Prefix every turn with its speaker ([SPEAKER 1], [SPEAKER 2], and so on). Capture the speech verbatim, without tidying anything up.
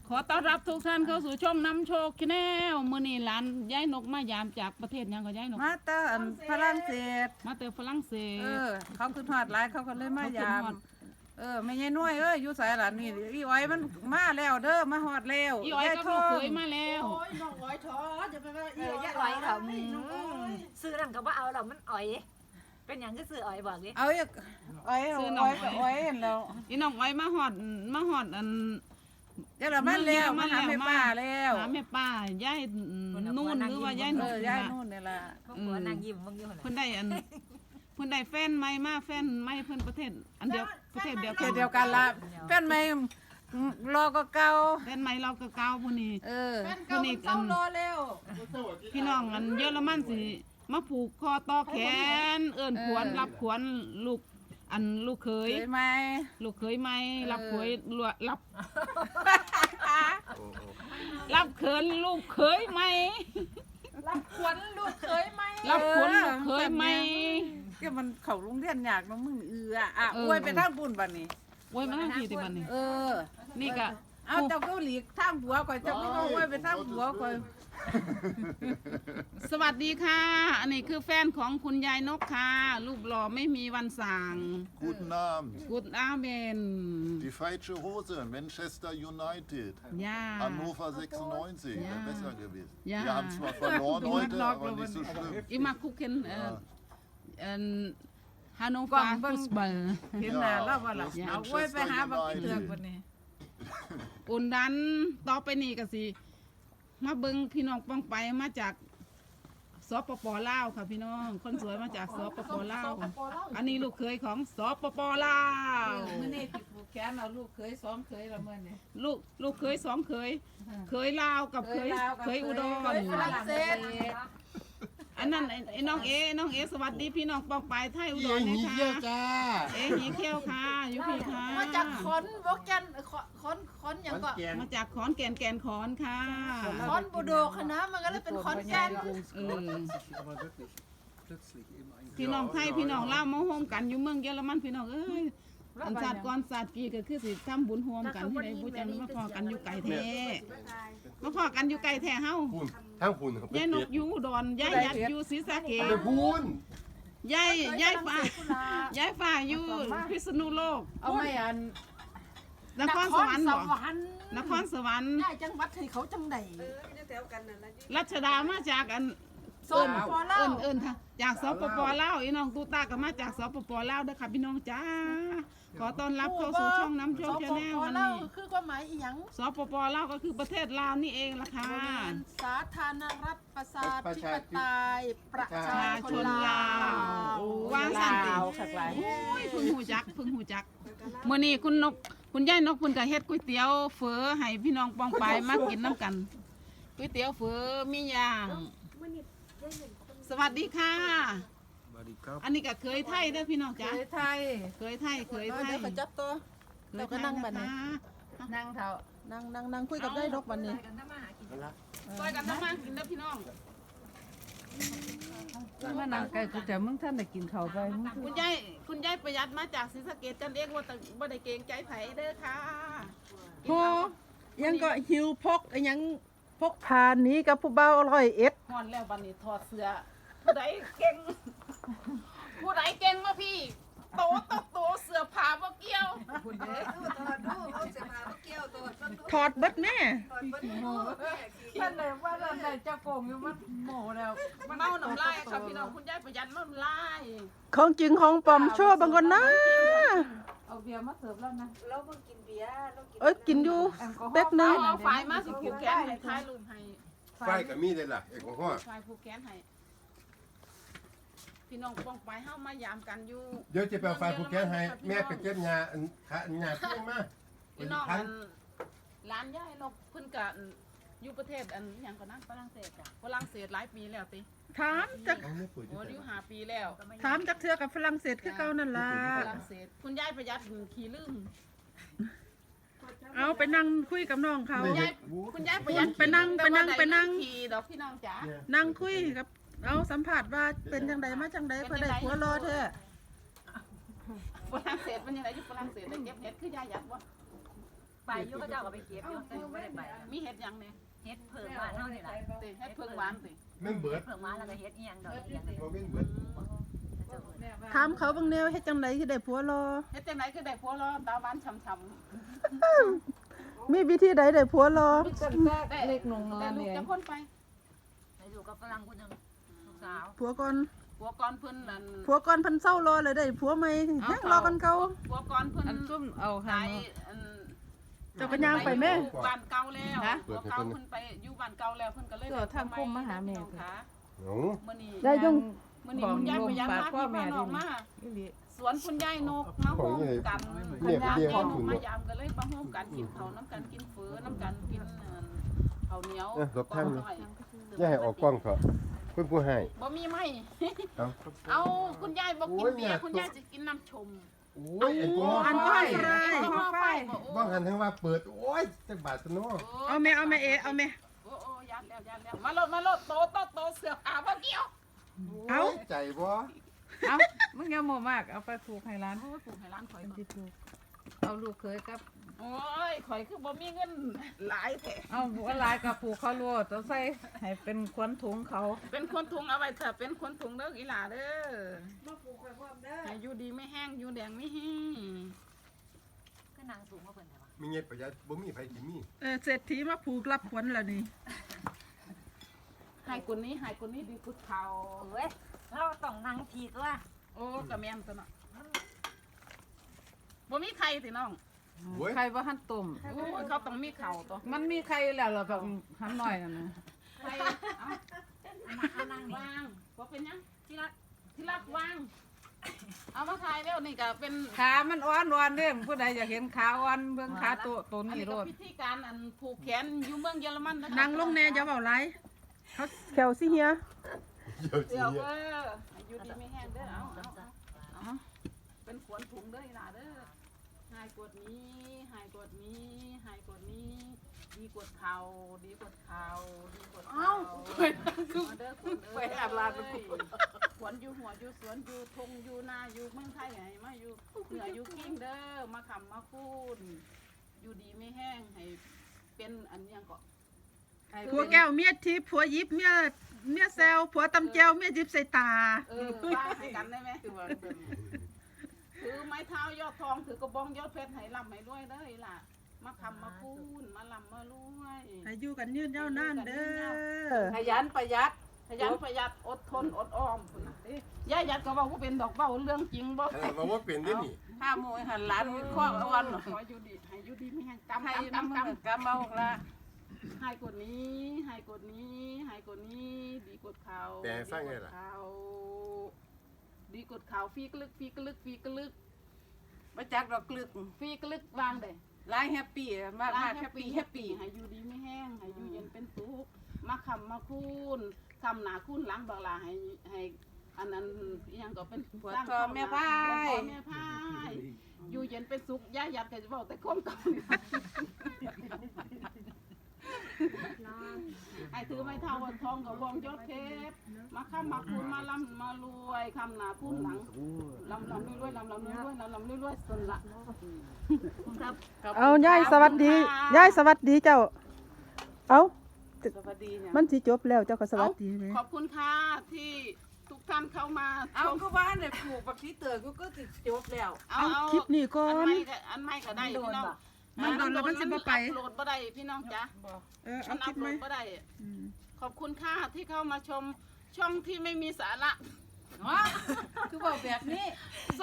[SPEAKER 1] ขอต้อนรับทุกท่านเข้าสู่ช่องน้ำโชคแนลมื้อนี้หลานย้ายนกมายามจากประเทศยังก็ย้ายนก
[SPEAKER 2] มาเตอร์ฝรั่งเศส
[SPEAKER 1] มาแต่ฝรั่งเศส
[SPEAKER 2] เออเขาคือทอดหลายเขาก็เลยมายาม
[SPEAKER 1] เขาขึ้นฮอด
[SPEAKER 2] เออไม่ใช่น้อยเอ้ยอยู่ไสล่ะนี่อีอ้อยมันมาแล้วเด้อมาฮอดแล้ว
[SPEAKER 1] อีอ้อยก็ลูกเคยมาแล้ว
[SPEAKER 3] โอ้ยน้องอ้อยท้อจะไปว่า
[SPEAKER 4] เอ
[SPEAKER 3] อี
[SPEAKER 4] อ
[SPEAKER 3] อ้อย
[SPEAKER 4] อย่าอ้อยเขา
[SPEAKER 3] ไม่น้องอ้อย
[SPEAKER 4] ซื้อนั่นก็ว่าเอาเรามันอ้อย เป็นอย่างก็ซื้ออ้อยบอกดิ
[SPEAKER 2] เอาอีกอ้อยเอาอ้อยก็อ้อยเห็นแล้ว
[SPEAKER 1] อีน้องอ้อยมาฮอดมาฮอดอัน
[SPEAKER 2] เดี๋ยวเรามาแล้วมาหาแม่ป้าแล้ว
[SPEAKER 1] หาแม่ป้าย้ายนู่นหรือว่าย้าย
[SPEAKER 2] เอ
[SPEAKER 1] นู่น
[SPEAKER 2] อย้ายนู่นนี่ล่ะ
[SPEAKER 4] พวกหัวนางยิ้มมึงอยู่
[SPEAKER 1] เพิ่นได้อันเพิ่นได้แฟนใหม่มาแฟนใหม่เพิ่นประเทศอันเดียวประเทศเดียว
[SPEAKER 2] เข
[SPEAKER 1] กั
[SPEAKER 2] ต
[SPEAKER 1] น
[SPEAKER 2] เดียวกันละแฟนไม่รอก็เก่า
[SPEAKER 1] แฟนใหม่เราก็เก่าผู้นี้
[SPEAKER 2] เออ
[SPEAKER 3] แฟนเก่ามันเศร้ารอแล้ว
[SPEAKER 1] พี่น้องอันเยอรมันสิมาผูกคอต่อแขน เอิ้นขวนรับขวนลูกอันลูกเขย
[SPEAKER 2] เคยไหม
[SPEAKER 1] ลูกเขยไหมรับเขยลวรับ รับเขินลูกเขยไหม
[SPEAKER 3] รับขวัญลูกเคยไหม
[SPEAKER 1] รับขวนลูกเขยไหม
[SPEAKER 2] ก็มันเข้าโรงเรียนยากเนาะมึงเอืออ่ะ
[SPEAKER 1] เออ
[SPEAKER 2] อวยไปทางบุญบัดนี้
[SPEAKER 1] โว้ยมาทั้งทีติบันนี่
[SPEAKER 2] เออ
[SPEAKER 1] นี่ก็
[SPEAKER 2] เอาเจ้าเกาหลีทางผัวก่อนเจ้าไม่เอาไว้ไปทางผัวก่อน
[SPEAKER 1] สวัสดีค่ะ อันนี้คือแฟนของคุณยายนกค่ะ รูปหล่อไม่มีวันสั่ง
[SPEAKER 5] Guten Abend.
[SPEAKER 1] กุดอาเมน
[SPEAKER 5] Die falsche Hose, Manchester United.
[SPEAKER 1] ย่า
[SPEAKER 5] Hannover sechsundneunzig,
[SPEAKER 1] Ja.
[SPEAKER 5] wäre besser gewesen.
[SPEAKER 1] Ja.
[SPEAKER 5] Wir haben zwar verloren
[SPEAKER 1] Du
[SPEAKER 5] heute,
[SPEAKER 1] hast
[SPEAKER 5] aber nicht so schlimm.
[SPEAKER 1] อิมาคุกเคนเอ่อ
[SPEAKER 5] Ja.
[SPEAKER 1] เอ่อฮานโนฟาฟุตบอล
[SPEAKER 2] เห็นหน้าแล้วว่าล่ะ
[SPEAKER 5] Ja.
[SPEAKER 2] เอาไว้ไปหาบักเตือกบัดนี้
[SPEAKER 1] อุ่นดันต่อไปนี่ก็สิมาเบิงพี่น้องป้องไปมาจากสปปลาวค่ะพี่น้องคนสวยมาจากสปปลาวอันนี้ลูกเคยของสปปลาว
[SPEAKER 2] มื้อนี้สิผูกแขนเอาลูกเคยซ้อมเคยละมื้อนี้
[SPEAKER 1] ลูกลูกเคยสองเคยเคยลาวกับเคย
[SPEAKER 2] ลาวกับ
[SPEAKER 1] เคยอุดร
[SPEAKER 2] เคยฝรั่งเศส
[SPEAKER 1] อันนั้นไอ้ไอ้น้องเอน้องเอสวัสดีพี่น้องป้องไปไทยอุดรนะค่ะเอหีเขี้ยวค่ะอยู่พี่ค่ะ
[SPEAKER 3] มาจากขอนบกแกนขอนขอนขอนอย่างก็
[SPEAKER 1] มาจากขอนแก่นแก่นขอนค่ะ
[SPEAKER 3] ขอนบูโดคณะมันก็เลยเป็นขอนแก่น
[SPEAKER 1] เออพี่น้องไทยพี่น้องลาวมาโฮมกันอยู่เมืองเยอรมันพี่น้องเอ้ยอันศาสตร์ก่อนศาสตร์กีก็คือสิทำบุญโฮมกันที่ไหนบุญจันมาพอกันอยู่ไก่แท้มาพอกันอยู่ไก่แท้เฮา
[SPEAKER 6] พูนทั้งพูนครับ
[SPEAKER 1] ยายนกอยู่อุดรยายยัดอยู่ศรีสะเกษ
[SPEAKER 6] ไปพูน
[SPEAKER 1] ยายยายฟ้ายายฟ้าอยู่พิษณุโลก
[SPEAKER 2] เอาไม่อัน
[SPEAKER 1] นครสวรรค์
[SPEAKER 3] ส
[SPEAKER 1] บ่
[SPEAKER 3] วรรค์
[SPEAKER 1] นครสวรรค์
[SPEAKER 3] ได้จังหวัดให้เขาจังได
[SPEAKER 1] รัชดามาจากอัน
[SPEAKER 3] สปปลาว
[SPEAKER 1] เอิ้นเอิ้นค่ะจากสปปลาวอีน้องตูตาก็มาจากสปปลาวเด้อค่ะพี่น้องจ้าขอต้อนรับเข้าสู่ช่องน้ำโชค
[SPEAKER 3] ส
[SPEAKER 1] ชา
[SPEAKER 3] ป
[SPEAKER 1] แนล
[SPEAKER 3] ป
[SPEAKER 1] วัน
[SPEAKER 3] ลาว
[SPEAKER 1] นี้
[SPEAKER 3] คือความหมายอีหยัง
[SPEAKER 1] สปปลาวก็คือประเทศลาวนี่เองล่ะค่ะ
[SPEAKER 3] สาธารณรัฐประชาธิปไตยประชา
[SPEAKER 1] ประชา
[SPEAKER 3] ช
[SPEAKER 1] ช
[SPEAKER 3] น
[SPEAKER 1] น
[SPEAKER 3] ลา
[SPEAKER 1] ลาว ววางสันติ
[SPEAKER 2] ลาวค่ะหลาย
[SPEAKER 1] โอ้ยเพึ่งหูจักเพึ่งหูจักมื้อนี้คุณนกคุณยายนกเพิ่นก็เฮ็ดก๋วยเตี๋ยวเฝอให้พี่น้องปองปายมากินน้ำกันก๋วยเตี๋ยวเฝอมีย่าง สวัสดีค่ะ อันนี้ก็เคยไทยเด้อพี่น้อง
[SPEAKER 2] เค
[SPEAKER 1] จ้าย
[SPEAKER 2] ไทย
[SPEAKER 1] เคยไทยเคยไท
[SPEAKER 3] เดี๋
[SPEAKER 1] ย
[SPEAKER 3] ยวเขาจับตัว
[SPEAKER 1] เคย
[SPEAKER 3] เรา
[SPEAKER 1] ไท
[SPEAKER 3] ก็
[SPEAKER 1] ย
[SPEAKER 3] นั่งบัดนี้
[SPEAKER 1] นะคะ
[SPEAKER 2] นั่งเท่า
[SPEAKER 3] นั่งนั่งนั่งคุยกับได้ดอกบัดนี้
[SPEAKER 1] ซอยกันทำมากินเด้อพี่น้อง
[SPEAKER 2] มานั่งใกล้กูแต่มึงท่านได้กินข้าวไปมึง
[SPEAKER 1] คุณยายคุณยายประหยัดมาจากศรีสะเกษจันเองว่าแต่บ่ได้เกรงใจไผเด้อค่ะ
[SPEAKER 3] พอยังก็หิวพกไอ้ยังพกพาหนี้กับผู้เบาอร่อยเอ็ด
[SPEAKER 1] ฮอนแล้วบัดนี้ถอดเสื้อผู้ใดเก่งผู้ใดเก่งมาพี่ โตโตโตเสื้อผ้าบ่เกี่ยว
[SPEAKER 3] ถอดเบิดแม่
[SPEAKER 2] ท่านไหนว่าท่านไหนเจ้าโกงอยู่มันโม่แล้ว
[SPEAKER 1] เมาน้ำลายค่ะพี่น้องคุณยายประหยัดเมาน้ำลาย
[SPEAKER 3] ของจริงของปลอมชั่วบางคนนะ
[SPEAKER 2] เอาเบียร์มาเสิร์ฟแล้วนะ
[SPEAKER 3] เอ้ยกินอยู่เป๊กนึ
[SPEAKER 1] เอา
[SPEAKER 3] ง
[SPEAKER 1] เอาฝ่ายมาสิผูกแขนให้ท้ายรูปให้
[SPEAKER 6] ไฟกับมีเลยล่ะเอกของพ่อ
[SPEAKER 1] ฝ่ายผูกแขนให้พี่น้องป้องไปเฮามายามกันอยู่
[SPEAKER 6] เดี๋ยวจะไปเอาไฟผูกแขนให้แม่ไปเก็บงาอันขาอันงาเพียงมา
[SPEAKER 1] พี่น้องอันร้านย่ายนกเพิ่นก็อยู่ประเทศอันหยังก็นะฝรั่งเศสจ้ะฝรั่งเศสหลายปีแล้วติ
[SPEAKER 3] ถามจัก
[SPEAKER 6] เอาไม่ปุ๋ย
[SPEAKER 1] โอ้อยู่ห้าปีแล้ว
[SPEAKER 3] ถามจักเทือกับฝรั่งเศสคือเก่านั่นล่ะ
[SPEAKER 1] ฝรั่งเศสคุณยายประหยัดขี้ลืม
[SPEAKER 3] เอาไปนั่งคุยกับน้องเขา
[SPEAKER 1] คุณยายคุณยายประหยัด
[SPEAKER 3] ไปนั่งไปนั่งไปนั่ง
[SPEAKER 1] ขี่ดอกพี่น้องจ๋า
[SPEAKER 3] นั่งคุยกับเอาสัมผัสว่าเป็นจังไดมาจังไดเพื่อได้ผัวรอแท้
[SPEAKER 1] ฝรั่งเศสมันยังไงอยู่ฝรั่งเศสได้เก็บเห็ดคือยายยัดวะ
[SPEAKER 4] ไปอยุ่ก็เจ้าก็ไปเก็บอยู่แต่หนูไม่ได้ไป
[SPEAKER 1] มีเฮ็ดหยังเนี่ย
[SPEAKER 4] เฮ็ดเพิ่งหวานเท่านี่แหละ
[SPEAKER 1] ติเฮ็ดเพิ่งหวานติ
[SPEAKER 6] แม่นเบิด
[SPEAKER 4] เพิ่งหวานแล้วก็เฮ็ดอีหยังดอกอีหยังนี่
[SPEAKER 6] บ่แม่นเบิด
[SPEAKER 3] ถามเขาบางแนวเฮ็ดจังไดคือได้ผัวรอ
[SPEAKER 1] เฮ็ดจังไดคือได้ผัวรอตาหวานช่ำ
[SPEAKER 3] มีวิธีใดได้ผัวรอ
[SPEAKER 1] ๆได้
[SPEAKER 2] เล็กนง
[SPEAKER 1] ได้
[SPEAKER 2] ลาน
[SPEAKER 1] ลูก
[SPEAKER 2] เนี่ย
[SPEAKER 1] จักคนไป
[SPEAKER 4] ไปอยู่กับฝรั่งคนหนึงลูกสาว
[SPEAKER 3] ผัวก่อน
[SPEAKER 1] ผัวก่อนเพิ่นนั่น
[SPEAKER 3] ผัวก่อนเพันเศร้ารอเลยได้ผัวใหม่แฮงรอกันเก่า
[SPEAKER 1] ผัวก่อนเพิ่น
[SPEAKER 2] อันซุ่มเอาหา
[SPEAKER 1] ตายอัน
[SPEAKER 3] เจ้าก็ย่างไปแม่
[SPEAKER 1] อยู่บ้านเก่าแล้วผัวเก่าเพิ่นไปอยู่บ้านเก่าแล้วเพิ่นก็เลย
[SPEAKER 2] เดี๋ยวทางคมมาหาแม่
[SPEAKER 1] พี่น้องค่ะ
[SPEAKER 6] หนู
[SPEAKER 1] มื้อนี้
[SPEAKER 3] ได้ยุ่ง
[SPEAKER 1] มื้อนี้คุณยายพยายามมาที่บ้านออกมา
[SPEAKER 2] อีหลี
[SPEAKER 1] สวนคุณยายนกมาโฮมกัน
[SPEAKER 6] เนี่ย
[SPEAKER 1] ยาย
[SPEAKER 6] เรียก
[SPEAKER 1] น
[SPEAKER 6] ว่าก คุณ
[SPEAKER 1] มา
[SPEAKER 6] เนาะ
[SPEAKER 1] ยามกันเลยมาโฮมกันกินข้าวน้ำกันกินเฟือน้ำกันกินเอ่อข้าวเหนียว
[SPEAKER 6] เอ้ยรบท่าน
[SPEAKER 1] ก้อย
[SPEAKER 6] อย่าให้ออกกล้องเถอะเพิ่นผู้ให้
[SPEAKER 1] บ่มีไหม
[SPEAKER 6] เอ้า
[SPEAKER 1] เอาคุณยายบ่กิน
[SPEAKER 6] โอ้ย
[SPEAKER 1] เบียร์
[SPEAKER 6] เนี่ย
[SPEAKER 1] คุณยายจะกินน้ำชม
[SPEAKER 6] โอ้ยไอ้ตัว
[SPEAKER 3] อัน
[SPEAKER 6] ไฟ
[SPEAKER 3] ก็ไร
[SPEAKER 1] เอาหม้อไฟบ่โอ้
[SPEAKER 6] บ้างหันทั้งว่าเปิด โอ้ยจักบาทซะเนาะ
[SPEAKER 3] เอาแม่เอาแม่เอเอาแม่
[SPEAKER 1] โอ้โอ้ยัดแล้วยัดแล้วมาโลดมาโลดโตโตโตเสือขาบ่เกี่ยว
[SPEAKER 3] เอา
[SPEAKER 6] โยใจบ่
[SPEAKER 2] เอามึงอย่าโมมากเอาไปผูกให้ร้าน
[SPEAKER 1] โอ้ยปลูกให้ร้านข่อยก่อน
[SPEAKER 2] ที่ผูกเอาลูกเคยกับ
[SPEAKER 1] โอ้ยข่อยคือบ่มีเงินหลายแท้
[SPEAKER 2] เอาบัวลายกับผูกเขาโลดเอาใส่ให้เป็นควนถุงเขา
[SPEAKER 1] เป็นคนถุงเอาไว้เถอะเป็นคนถุงเด้ออีหล่าเด้อมาปลูกไว้พร้อมเด้อให้อยู่ดีไม่แห้งอยู่แดงไม่แห้ง
[SPEAKER 4] ก็นางสูงกว่าเพิ่นแต่ว่า
[SPEAKER 6] มีเงินประหยัดบ่มีไผสิมี
[SPEAKER 3] เออเศรษฐีมาผูกรับขวัญแล้วนี่
[SPEAKER 1] ให้คนนี้ให้คนนี้ดีกุดเขา
[SPEAKER 4] เอ้ยเราต้องนั่งทีตัว
[SPEAKER 1] โอ้กะแม่นซะเนาะบ่มีใครสิน้อง
[SPEAKER 6] โอ้ย
[SPEAKER 2] ใครว่าหั่นตุ่ม
[SPEAKER 1] โอ้ยเขาต้องมีเข่าตัว
[SPEAKER 2] มันมีใครแล้วเหรอแบบหั่นหน่อยนั่นนะ
[SPEAKER 1] ใครเอา
[SPEAKER 4] มานั่งนี่
[SPEAKER 1] วางบ่เป็นหยังที่รักที่รักวาง เอามาถ่ายแล้วนี่ก็เป็น
[SPEAKER 2] ขามันอ่อนอ่อนเด้อผู้ใดอยากเห็นขาอ่อนเบิ่งขาตัวตัว
[SPEAKER 1] อัน
[SPEAKER 2] นี้
[SPEAKER 1] นี้
[SPEAKER 2] โล
[SPEAKER 1] ก็
[SPEAKER 2] ด
[SPEAKER 1] พิธีการอันผูกแขนอยู่เมืองเยอรมันนะคะ
[SPEAKER 3] นั่งลงแน่อย่าเว้าหลายเขาแขวสิเฮีย
[SPEAKER 6] เดี๋ยวสิ
[SPEAKER 1] เดี๋ยว
[SPEAKER 6] เนี่ย
[SPEAKER 1] เอออายุดีไม่แห้งเด้อเอาเอาเอาเอาเป็นขวนถุงเด้ออีหล่าเด้อหายกดนี้หายกดนี้หายกดนี้ ดีกดเข่าดีกดเข่าดีกดเข่าคือเด้อคุณเอ้ยไปอาบลาดขวนอยู่หัวอยู่สวนอยู่ทงอยู่นาอยู่เมืองไทยไงมาอยู่เหนืออยู่กิ้งเด้อมาขำมาคูนอยู่ดีไม่แห้งให้เป็นอันยังก็
[SPEAKER 3] ผัวแก้วเมียทิพย์ผัวยิบเมียเมียแซวผัวตำแจวเมียยิบใส่ตา
[SPEAKER 1] เออว่าให้กันได้ไหมถือไม้เท้ายอดทองถือกระบองยอดเพชรให้ลำให้รวยเด้อล่ะมาคำมาคูนมาลำมารวย
[SPEAKER 3] ให้อยู่กันยืนยาวนานเด้อ
[SPEAKER 2] ขยันประหยัด
[SPEAKER 1] ขยันประหยัดอดทนอดออมพุ่นน่ะเอ้ยย่าหยัดก็บอกว่าเป็นดอกเบ้าเรื่องจริงบ่
[SPEAKER 6] เออว่าว่าเป็นได้นี่
[SPEAKER 2] ห้าโมงหันหลานข้ออ่อน
[SPEAKER 1] ขออยู่ดีให้อยู่ดีไม่แห้งกำ
[SPEAKER 2] ให้
[SPEAKER 1] กำ
[SPEAKER 2] น้ำ
[SPEAKER 1] กำ
[SPEAKER 2] มัน
[SPEAKER 1] กำ
[SPEAKER 2] กำเอาละ
[SPEAKER 1] ให้กดนี้ให้กดนี้ให้กดนี้ ดีกดเขา
[SPEAKER 6] แต่ฟังไงล่ะ
[SPEAKER 1] เขาดีกดเขาฟีกลึกฟีกลึกฟีกลึก
[SPEAKER 2] ประจักดอกกลึก
[SPEAKER 1] ฟีกลึกวางเด้
[SPEAKER 2] หลายแฮปปี้มากมากแฮปปี้แฮปปี้
[SPEAKER 1] ให้อยู่ดีไม่แห้งให้อยู่เย็นเป็นสุขมาคำมาคูนคำหนาคูนหล้างบางลาให้ให้อันนั้นอิหยังก็เป็น
[SPEAKER 2] ปวดคอแม่พา
[SPEAKER 1] ปวดคอย แม่พายอยู่เย็นเป็นสุขย่าหยัดก็จะบอกแต่ความเก่านี่ไอ้ถือไม้เท้าวันทองกับวงยอดเพชรมาค้ำมาคูนมาลำมารวยคำหนาคูนหลังลำลำรวยๆลำลำรวยๆลำลำรวยๆสนละครับ
[SPEAKER 3] เอายายสวัสดียายสวัสดีเจ้า เอา
[SPEAKER 2] สวัสดีเนี่ย
[SPEAKER 3] มันสิจบแล้วเจ้าก็สวัสดีเลย
[SPEAKER 1] ขอบคุณค่ะที่ทุกท่านเข้ามา
[SPEAKER 2] เอาก็บ้านเนี่ยปลูกบักชีเตอร์กูก็ติดจบแล้ว
[SPEAKER 1] เอาเอา
[SPEAKER 3] คลิปนี้ก่อ
[SPEAKER 1] อัน
[SPEAKER 3] น
[SPEAKER 1] ไม่ก็อันไม่ก็ได้พี่น้อง
[SPEAKER 3] มันโดนแล้วมันสิบ่ไป
[SPEAKER 1] อัพโหลดบ่ได้พี่น้องจ๊ะ
[SPEAKER 3] เออ
[SPEAKER 1] มั
[SPEAKER 3] เอา
[SPEAKER 1] น
[SPEAKER 3] ค
[SPEAKER 1] อั
[SPEAKER 3] ลิ
[SPEAKER 1] พ
[SPEAKER 3] ป
[SPEAKER 1] โห
[SPEAKER 3] ไห
[SPEAKER 1] ล
[SPEAKER 3] ม
[SPEAKER 1] ดบ่ได้
[SPEAKER 3] อืม
[SPEAKER 1] ขอบคุณค่ะที่เข้ามาชมช่องที่ไม่มีสาระ
[SPEAKER 2] คือบอกแบบนี้